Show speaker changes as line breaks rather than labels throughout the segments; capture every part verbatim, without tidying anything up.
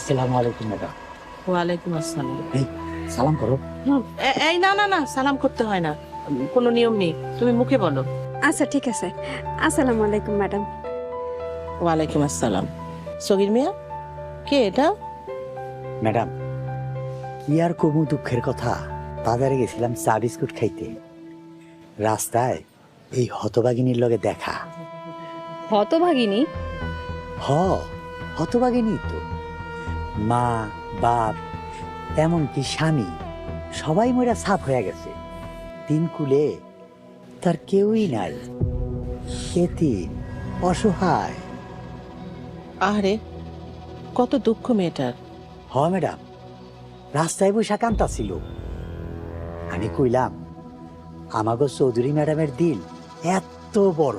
আসসালামু আলাইকুম ম্যাডাম।
ওয়ালাইকুম আসসালাম।
এই সালাম করো।
হুম, এ- এই না না না সালাম করতে হয় না, কোনো নিয়ম নেই, তুমি মুখে বলো।
আচ্ছা ঠিক আছে। আসসালামু আলাইকুম ম্যাডাম।
ওয়ালাইকুম আসসালাম। সগির মিয়া, কে এটা?
ম্যাডাম কি আর কমু দুঃখের কথা, বাজারে গেছিলাম চা বিস্কুট খাইতে, রাস্তায় এই হতভাগিনীর লগে দেখা।
হতভাগিনী?
হ, হতভাগিনী তো। মা, বাপ, এমনকি স্বামী সবাই মরা সাফ হয়ে গেছে। তিন কুলে তার কেউই নাই, এতিম, অসহায়।
আরে কত দুঃখ মেয়েটার।
হ ম্যাডাম, রাস্তায় বৈশা কান্তা ছিল। আমি কইলাম আমাগো চৌধুরী ম্যাডামের দিল এত বড়,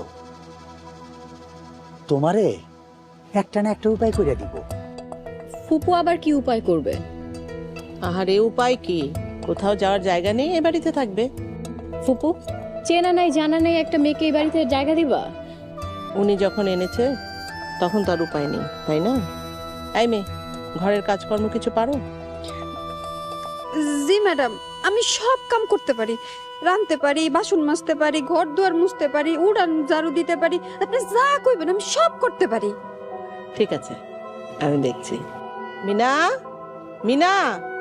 তোমারে একটা না একটা উপায় করে দিব।
ফুপু আবার কি উপায় করবে?
আহারে উপায় কি, কোথাও যাওয়ার জায়গা নেই, এ বাড়িতে থাকবে।
ফুপু চেনা নাই জানা নাই একটা মেয়েকে এই বাড়িতে জায়গা দিবা?
উনি যখন এনেছে তখন তার উপায় নেই, তাই না? এই মেয়ে, ঘরের কাজকর্ম কিছু পারো?
জি ম্যাডাম, আমি সব কাম করতে পারি। রাঁধতে পারি, বাসন মাজতে পারি, ঘর দুয়ার মুছতে পারি, উড়ান ঝাড়ু দিতে পারি। আপনি যা কইবেন আমি সব করতে পারি।
ঠিক আছে, আমি দেখছি। মিনা, মিনা।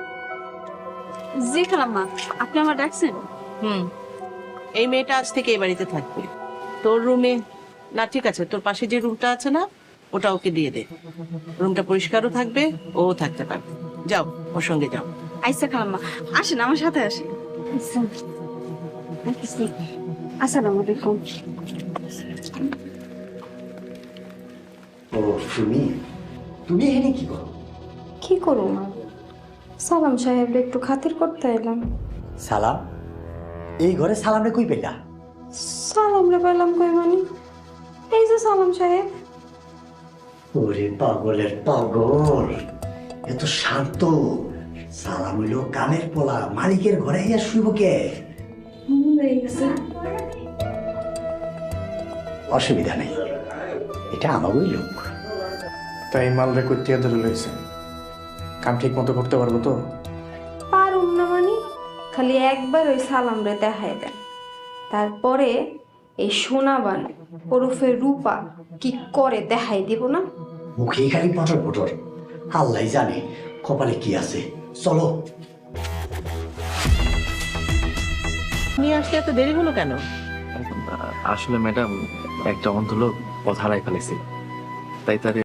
জি খালাম্মা, আপনি আমার ডাকছেন?
হুম, এই মেয়েটা আজ থেকে এই বাড়িতে থাকবে। তোর রুমে না, ঠিক আছে, তোর পাশে যে রুমটা আছে না, ওটা ওকে দিয়ে দে। রুমটা পরিষ্কারও থাকবে, ও থাকতে পারবে। যাও, ওর সঙ্গে যাও।
আইসা খালাম্মা, আসেন আমার সাথে আসেন। আসসালামু আলাইকুম।
ও তুমি, তুমি এখানে কি করো?
কি করো মা? সালাম সাহেব একটু খাতির করতে এলাম।
সালাম? এই ঘরে সালাম রে কই পেলা?
সালাম রে পেলাম কই মানে? এই যে সালাম সাহেব।
ওরে পাগলের পাগল, এত শান্ত। সালাম হইল কামের পোলা, মালিকের ঘরে ইয়া শুইব কে? অসুবিধা নেই, এটা আমারই লোক।
তাই মাল রেকর্ড দিয়ে ধরে লইছে, কাম ঠিক মতো করতে পারবো তো?
পারুম না মানে? খালি একবার ওই সালাম রে দেখাই দেন, তারপরে এই সোনাবান ওরফে রূপা কি করে দেখাই দিব না?
মুখে খালি পটর পটর, আল্লাহ জানে কপালে কি আছে। চলো।
নিয়ে আসতে এত দেরি হলো কেন?
আসলে ম্যাডাম একটা অন্ধ লোক পথ হারাই ফেলেছি, তাই তার